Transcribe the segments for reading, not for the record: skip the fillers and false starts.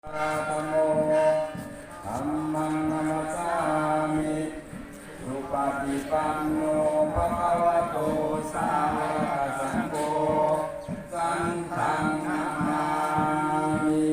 ธัมโมธัมมังนัมสสามิสุปฏิปันโนภะคะวะโตสาวกสังโฆสังฆังนามามิ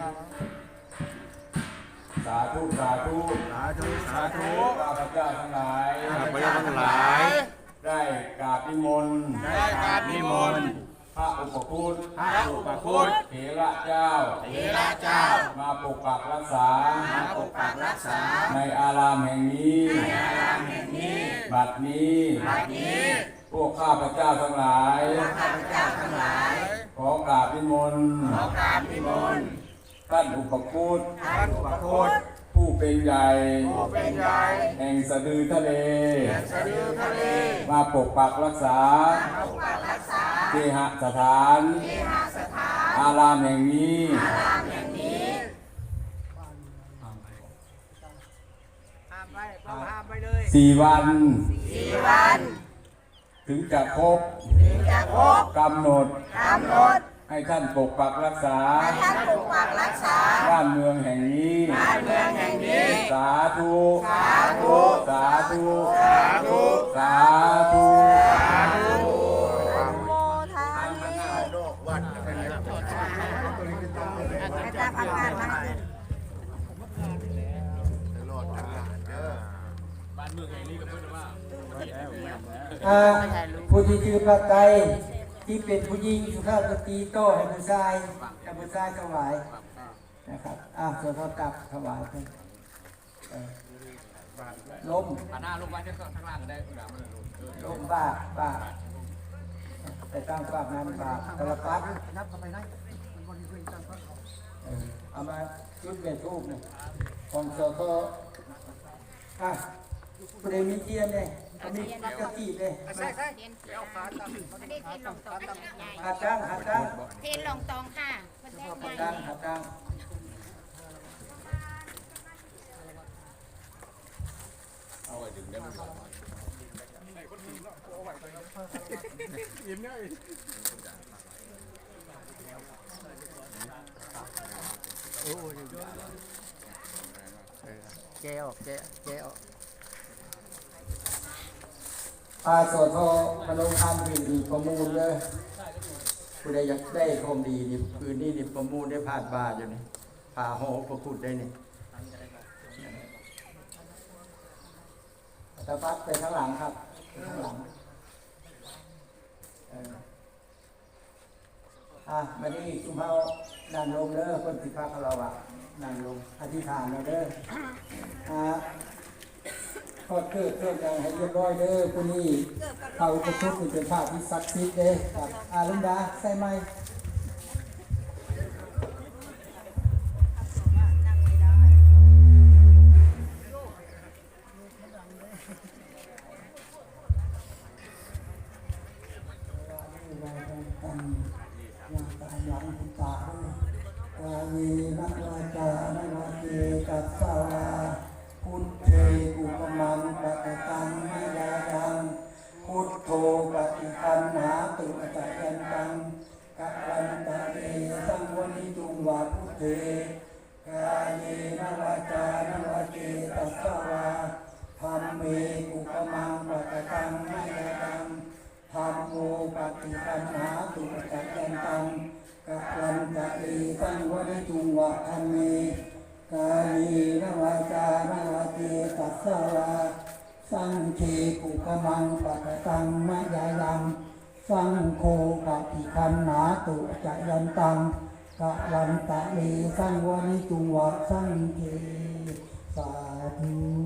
สาธุสาธุสาธุสาธุข้าพเจ้าทั้งหลายข้าพเจ้าทั้งหลายได้กราบนิมนต์ได้กราบนิมนต์พระอุปคุตพระอุปคุตเถระเจ้าเถระเจ้ามาปกปักรักษามาปกปักรักษาในอารามแห่งนี้ในอารามแห่งนี้บัดนี้บัดนี้พวกข้าพเจ้าทั้งหลายข้าพเจ้าทั้งหลายขอกราบนิมนต์ขอกราบนิมนต์ท่านอุปคุตท่านอุปคุตผู้เป็นใหญ่ผู้เป็นใหญ่แห่งสะดือทะเลแห่งสะดือทะเลมาปกปักรักษาปกปักรักษาเคหสถานเทหสถานอารามแห่งนี้อารามแห่งนี้ห้ามไปต้องห้ามไปเลย 4 วัน 4 วันถึงจะครบถึงจะครบกำหนดกำหนดให้ท่านปกปักรักษาให้ท่านปกปักรักษาบ้านเมืองแห่งนี้บ้านเมืองแห่งนี้สาธุสาธุสาธุสาธุสาธุโมทามิอาจารย์พักงานมาให้ผู้ที่ชื่อพระไตรที่เป็นผู้หญิงสุภาพสตรีโต้ให้ผู้ชายกับผู้ชายถวายนะครับส่วนเขากลับถวายไปล้มหน้าลงไปข้างล่างได้คุณดาวมันลงล้มบ้าแต่ตั้งฝากนั้นบาปตลปัดเอามาจุดเบ็ดทูบเนี่ยของโซโต้ประเด็นมีเทียนเนี่ยมีกระติเลยเทียนเอาขาตั้งไม่ได้เทียนลงตองใหญ่หาตั้งเทียนลงตองค่ะประเทศใหญ่หาตั้งแกออกโสโทมโนพันธ์ดีประมูลเลยผู้ใดอยากได้คมดีนี่คืนนี้นี่ประมูลได้ผ่านบาทอยู่นี่ผ่าหอประคุดได้นี่ตะปัดไปข้างหลังครับไปข้างหลังมานี่จุ่มเฮานั่งลงเด้อคนสิพักเรานั่งลงอธิษฐานเราเด้อขอเกิดเครื่องอย่างให้เรียบร้อยเด้อผู้นี้เขาจะทุกข์เป็นภาพที่ศักดิ์สิทธิ์เด้ครับลุงดาใส่ไหมนักวาจานักวาเกกัสสาวาพุทเทอุปมังปะตังมิยายังพุทโธปฏิคันหาตุจักยันตังกัปปันตะเอสังวนิจุงวาพุทเทกายนวาจานวาเกกัสสาวาธัมเมอุปมังปะตังมิยายังธัมโมปฏิคันหาตุจักยันตังกัปปันตะเอสังวนิจุงวาธัมเมกายนวาจานวาเกตัสสาวาสังเฆปุกมังปะตังมะยายังสังโฆปฏิคันหาตุจะยันตังกะวันตะเลสังวนิจุงวะสังเฆสาธุ